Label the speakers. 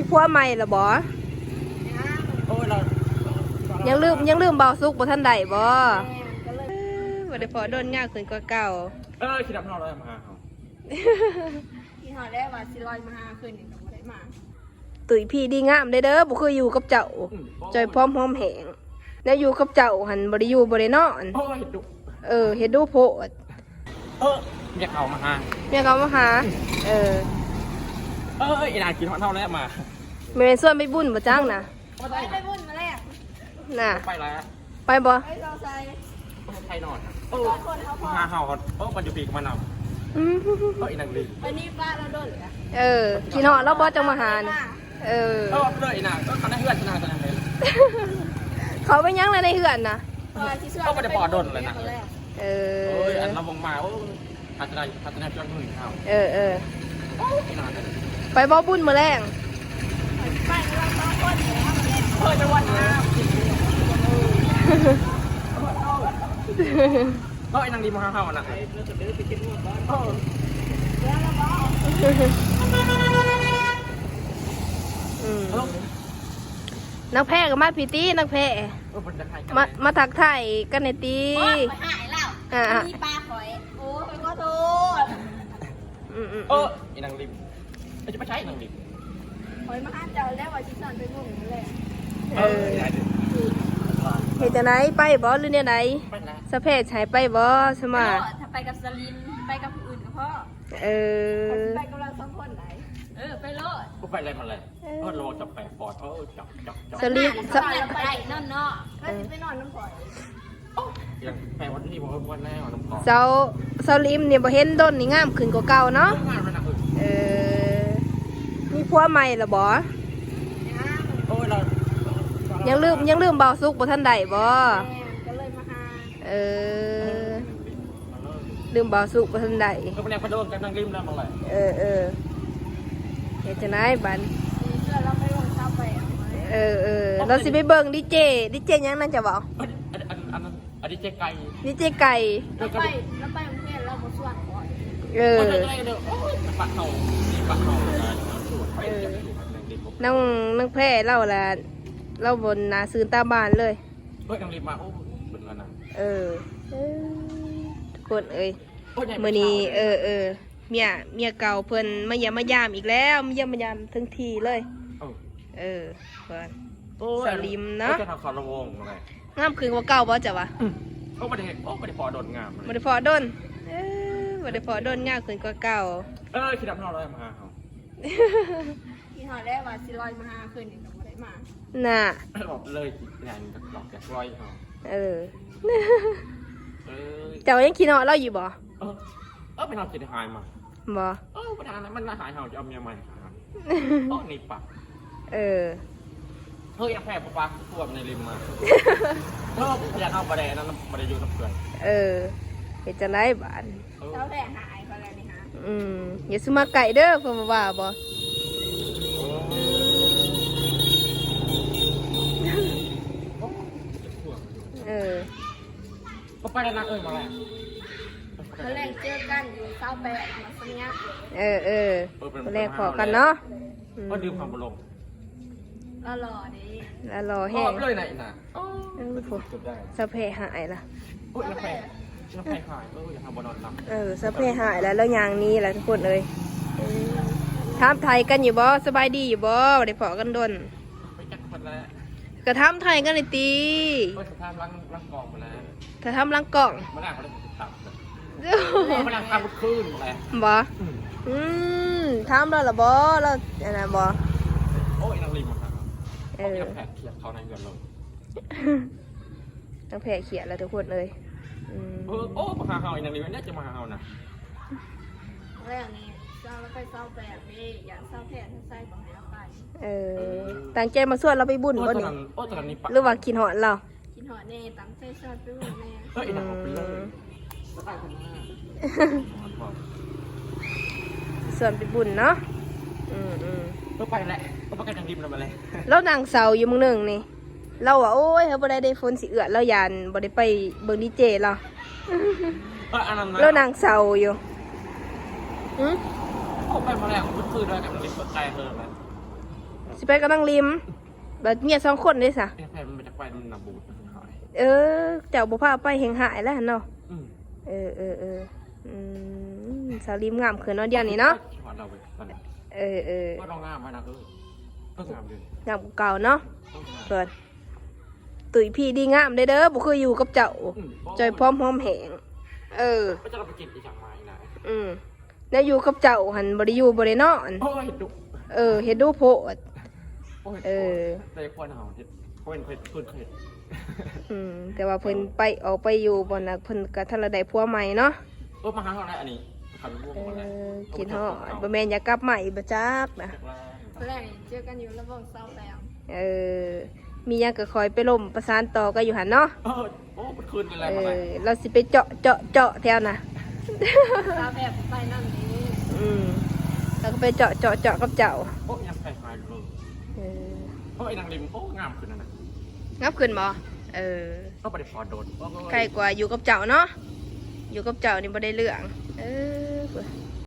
Speaker 1: ผัวใหม่ละบ่
Speaker 2: โอ้ยเรา
Speaker 1: ยังลืมเบาสุกบ่ทันได้บ่บ่ได้พอโดนยากขึ้นกว่าเก่า
Speaker 2: คิดดับเราเลยมาเขา
Speaker 3: ที่หอได้ว่าสิลอยมาหาคืนนี่ก็บ่ได้มา
Speaker 1: ตุ๋ยพี่ดีงามเด้อบ่คืออยู่กับเจ้าจอยพร้อมหอมแหงแล้วอยู่กับเจ้าหันบ่ได้อยู่บ่ได้นอน
Speaker 2: โอ้ยดุ
Speaker 1: เฮ็ดดูโพด
Speaker 2: อยากเอามาหา
Speaker 1: แม่เขามาหา
Speaker 2: อีนานกินหอดเท่าแล้วมา
Speaker 1: แม่นส่วนไปบุญบ่จ้างนะ
Speaker 3: ไปบุญมาแล้ว
Speaker 1: น่ะ
Speaker 2: ไปแล้ว
Speaker 1: ไปบ่
Speaker 3: ไปเราใส่
Speaker 2: ไทยนอนมาเห่ามันอยู่ปีกมันเอาอีนางดี
Speaker 3: วันนี้ป้าเราโดนเลย
Speaker 1: กินหอดแล้วบ่จังมาหาน่ะ
Speaker 2: เลยอีนางเขาได้เฮือนนางตอนนั้นเลย
Speaker 1: เขาไปยังในเฮือนน่ะ
Speaker 2: เขาไม่ได้ปอดนเลยนะอันเราวงมาพัฒนาจนถึงเขา
Speaker 1: ไปบ่บุญมื้อแรง
Speaker 3: ไปเราต้องคนแล้วจะวันน้ำ
Speaker 2: ก็ไอ้นางดีมาเห่าน่ะ
Speaker 1: นักแพ้กับมาพีตี้นักแพ้มาถักไทยกันในตี
Speaker 3: หายแล้วมีปลาหอยโอ้ยก็โทษ
Speaker 2: ไอ้นางริมจะไม่ใช่นางริม
Speaker 3: หอยมาห้าเจ้าแล้วว่าชิสอนไปบุญเลย
Speaker 1: เฮ็ดจังไดไปบ่หรือเนี่ยไหนสะเพศใช้ไปบ่ใช่มั้ย
Speaker 3: ถ้าไปกับสลินไปกับผู้อื่นกับพ่อไปกับเรา2คนไหนไปโลด
Speaker 2: กูไปอะไรมาเลยโลจับแปะปอดจับ
Speaker 1: สลิน
Speaker 3: ไปนอนเนาะไปนอนน้ำปล่อย
Speaker 2: อย่างแปะวันที่ผมวันแรกน้ำปอด
Speaker 1: เซาลิมเนี่ยบ่เห็นต้นนี่งามขึ้นกว่าเก่าเนาะมีผัวใหม่ละบ่
Speaker 2: โอ้ยเรา
Speaker 1: ยังลืมเบาสุกบ่ทันได้บ่
Speaker 3: ก็เลยมาหา
Speaker 1: ลืมเบาสุกบ่ทันได้
Speaker 2: ก็เป็นแนวกระโดดกันนั่งริมแล้วมาเลย
Speaker 1: เฮ็ดจังได๋บัด
Speaker 3: เราไปลงเช้าไป
Speaker 1: เราสิไปเบิ่งดีเจยังนั่นจะบอก
Speaker 2: อันนี้เจ๊ไก่
Speaker 1: ดีเจไก่
Speaker 3: เราไปโรงเรียนเราบ่ส่วนก่อน
Speaker 2: ปัดเห่า
Speaker 1: นั่งแพ้เล่าละเล่าบนนาซื้อตาบ้านเลย
Speaker 2: นางริมมาเป็นอะไร
Speaker 1: ทุกคนมื้อนี้เมียเก่าเพิ่นมาเยี่ยมมายามอีกแล้วมาเยี่ยมมายามทั้งทีเลยเพิ่นสลิมเนาะ
Speaker 2: จะทำคอระวงอะไร
Speaker 1: งามคืนกว่าเก่าบ่จ้ะวะ
Speaker 2: ไม่ได้พอโดนงาม
Speaker 1: ไม่ได้พอโดนไม่ได้พอโดนงามคืนกว่าเก่า
Speaker 2: คิดดับเราเลยมาเขา
Speaker 3: ที่หอได้ว่าสิลอยมาหาคืนนี่ก็บ่ได้มา
Speaker 1: น่ะ
Speaker 2: บอกเลยงานหลอกแกลอยเขา
Speaker 1: เจ้ายังคิดเนาะเราอยู่บ่
Speaker 2: ไปนอนจิตหายมา
Speaker 1: บ่
Speaker 2: ประธานนั้นมันหายเห่าจะเอาเมียใหม่นี่ปะยังแพ้ปะขวบในริมมาอยากเอาประเดี๋ยวนั้นประเดี๋ยวอยู่กับเพื่อน
Speaker 1: เฮ็ดจังได๋บาด
Speaker 3: เจ้าแท้หายคนแล้วนี่ฮะ
Speaker 1: อย่าซื้อมาไก่เด้อเพิ่นว่าบ่
Speaker 2: ก็ไปแล้วนะมาแล้ว
Speaker 3: มาแรกเจอกันอยู่เช้าแปะมาสัญญา
Speaker 1: มาแรกขอกันเนาะ
Speaker 2: ก็ดื่มความบลง
Speaker 3: หล่อดิ
Speaker 1: หล่อแห้ง
Speaker 2: เลยไหนนะ
Speaker 1: สะเพหายละ
Speaker 2: น้ำแพงหายอย่าทำบอลนอนนั
Speaker 1: บสะเพหายแล้วอย่างนี้แหละทุกคนเลยถามไทยกันอยู่บ่สบายดีอยู่บ่ได้พอกันดน
Speaker 2: ไปจักคนแล้ว
Speaker 1: กระทำไทยกันเลยตี
Speaker 2: ก็จะทำล้างกล่องมาแล้ว
Speaker 1: ถ้าทำล้างกล่อง
Speaker 2: มาแล้วเขาได้ตับมาแล้วทำบุกคืนอะไร
Speaker 1: บ่ทำแล้วหรอบ่แล้วอะไรบ่
Speaker 2: โอ้ยนางริมมาแผลเขียดเขาในเงินเลย
Speaker 1: แผลเขียดแล้วทุกคนเลย
Speaker 2: มาหาเห่าอีนางริมเนี่ยจะมาหาเห่านะ
Speaker 3: แรกนี่เจ้าแล้วไปเศร้าแปดนี่อย่างเศร้าแผลทั้งไส้ของเราไป
Speaker 1: ตั้งใจมาส่วนเราไปบุญบ่นี่หรือว่ากินหอดเรา
Speaker 3: กินหอดเน่ตั้งใจชอบไปบุญแน่
Speaker 2: อีนางไปเลย
Speaker 1: ส่วนไปบุญเนาะ
Speaker 2: ก็ไปแหละก็ไปกันทางริมเรามาเลย
Speaker 1: แล้วนางเสาอยู่มึงหนึ่งนี่เราว่าโอ้ยเขาบ่ได้ฝนสิเอื้อเรายานบ่ได้ไปเบิ่งดีเจเราแล้วนางเสาอยู่
Speaker 2: ไปมาแล้วมันคือด้วยกันริมไกลเพิ่มไหม
Speaker 1: สิไปกับนางริมบัดเมีย2 คนเด้ซะ
Speaker 2: แพ้มันจะไปมันนาบูดหาย
Speaker 1: เจ้าบ่พาไปแห่งหายแล้วหั่นเนาะ
Speaker 2: อืม
Speaker 1: สาวริมงามขึ้นเนาะเดี๋ยวนี้เนาะ
Speaker 2: เราไปตอนนั้นก็ต้องงามมานะก็งามเลย
Speaker 1: งามกว่าเก่าเนาะเพิ่นตุ๋ยพี่ดีงามเด้อบ่คืออยู่กับเจ้าจอยพร้อมหอมแหง
Speaker 2: ก็จะเราไปกินอีกอย่างมาอีกนะ
Speaker 1: แล้วอยู่กับเจ้าหันบ่ได้อยู่บ่ได้นอน
Speaker 2: โอ้ยดุ
Speaker 1: เฮ็ดดูโพด
Speaker 2: แต่คนเฮาเฮ็ดคนเคยเพิ่นเคย
Speaker 1: แต่ว่าเพิ่นไปออกไปอยู่บ่น่ะเพิ่นก็ทันละได้ผัวใหม่เนาะ
Speaker 2: มาหาเฮาได้อันนี้ขันร่วงหมดเลย
Speaker 1: กินฮอดบ่แม่นอยากกลับใหม่บ่จักนะ
Speaker 3: แรกเจอกันอยู่ระบบเศร้าแล้ว
Speaker 1: มีหยังก็คอยไปล่มประสานต่อก็อยู่หั่นเนาะ
Speaker 2: โอ้มันคืนกันแล้วมา
Speaker 1: เราสิไปเจาะแถวน่ะ
Speaker 3: เศร้าแบบไปนั่นนี่
Speaker 1: แล้วก็ไปเจาะกับเจ้า
Speaker 2: โอ้ยังใครหายเลยโอ้ยนางริมโอ้งามขึ้นนั่นน่ะ
Speaker 1: งับขึ้นบ่
Speaker 2: ก็ไปพอโดน
Speaker 1: ใกล้กว่าอยู่กับเจ้าเนาะอยู่กับเจ้านี่บ่ได้เรื่อง